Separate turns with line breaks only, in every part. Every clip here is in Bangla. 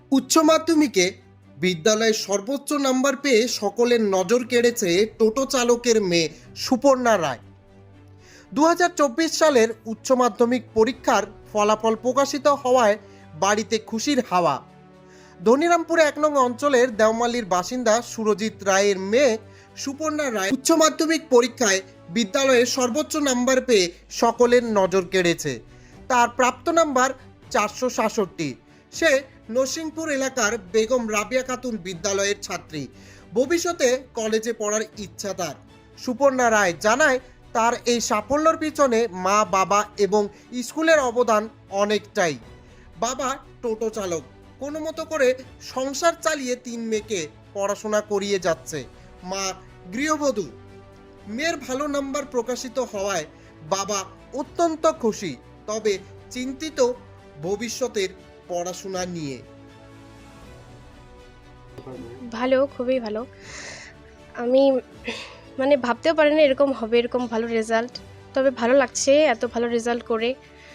উচ্চ মাধ্যমিকে বিদ্যালয়ে সর্বোচ্চ নাম্বার পেয়ে সকলের নজর কেড়েছে টোটো চালকের মেয়ে সুপর্ণা রায়। 2024 সালের উচ্চ মাধ্যমিক পরীক্ষার ফলাফল প্রকাশিত হওয়ায় বাড়িতে খুশির হাওয়া। ধনিরামপুর 1 নং অঞ্চলের দেওমালির বাসিন্দা সুরজিৎ রায়ের মেয়ে সুপর্ণা রায় উচ্চ মাধ্যমিক পরীক্ষায় বিদ্যালয়ে সর্বোচ্চ নাম্বার পেয়ে সকলের নজর কেড়েছে। তার প্রাপ্ত নাম্বার 466। সে নরসিংপুর এলাকার বেগম রাবিয়া খাতুন বিদ্যালয়ের ছাত্রী। ভবিষ্যতে কলেজে পড়ার ইচ্ছা তার। সুপর্ণা রায় জানায়, তার এই সাফল্যের পিছনে মা, বাবা এবং স্কুলের অবদান অনেকটাই। বাবা টোটো চালক, কোনো মতো করে সংসার চালিয়ে 3 মেয়েকে পড়াশোনা করিয়ে যাচ্ছে। মা গৃহবধূ। মেয়ের ভালো নাম্বার প্রকাশিত হওয়ায় বাবা অত্যন্ত খুশি, তবে চিন্তিত ভবিষ্যতের পড়াশোনা নিয়ে।
ভালো, খুবই ভালো। আমি ভাবতেও পারিনি এরকম হবে, এরকম ভালো রেজাল্ট। তবে ভালো লাগছে এত ভালো রেজাল্ট করে।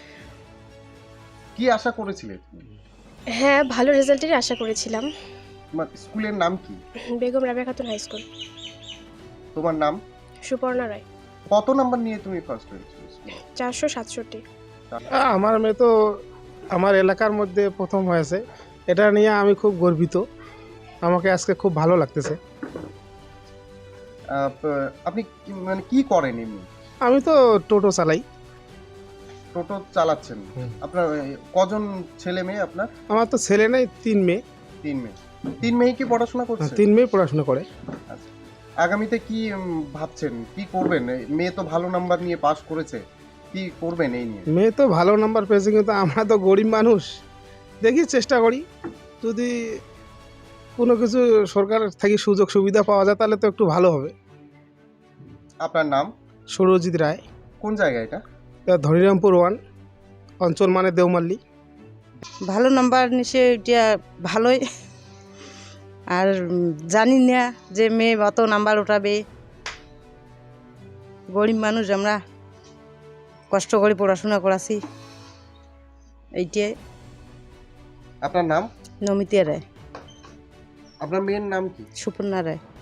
কি আশা করেছিলে তুমি?
হ্যাঁ, ভালো রেজাল্টেরই আশা করেছিলাম।
তোমার স্কুলের নাম কি?
Begum Rabiya Khatun high school.
তোমার নাম?
সুপর্ণা রায়।
কত নাম্বার নিয়ে তুমি ফার্স্ট হয়েছিলে?
467।
আমার মেয়ে তো আমার এলাকার মধ্যে প্রথম হয়েছে, এটা নিয়ে আমি খুব গর্বিত। আমাকে আজকে খুব ভালো লাগতেছে।
আপনি কি করেন এমনি?
আমি তো টোটো চালাই।
টোটো চালাচ্ছেন? আপনার কজন ছেলে মেয়ে আপনার?
আমার তো ছেলে নেই, 3 মেয়ে।
3 মেয়ে। 3 মেয়ে কি পড়াশোনা করছে?
3 মেয়ে পড়াশোনা করে।
আচ্ছা, আগামীতে কি ভাবছেন, কি করবেন? মেয়ে তো ভালো নাম্বার নিয়ে পাস করেছে, কি করবেন এই নিয়ে?
মেয়ে তো ভালো নাম্বার পেয়েছে, কিন্তু আমরা তো গরিব মানুষ। দেখি চেষ্টা করি, যদি কোনো কিছু সরকার থেকে সুযোগ সুবিধা পাওয়া যায় তাহলে তো একটু ভালো হবে।
আপনার নাম?
সুরজিৎ রায়।
কোন জায়গা এটা?
ধনিরামপুর 1 অঞ্চল, মানে দেওমাল্লি।
ভালো নাম্বার নিচে এটা ভালোই। আর জানি না যে মেয়ে অত নাম্বার উঠাবে। গরিব মানুষ, আমরা কষ্ট করে পড়াশোনা করাছি। এইটাই।
আপনার নাম?
নমিতা রায়।
আপনার মেয়ের নাম কি?
সুপর্ণা রায়।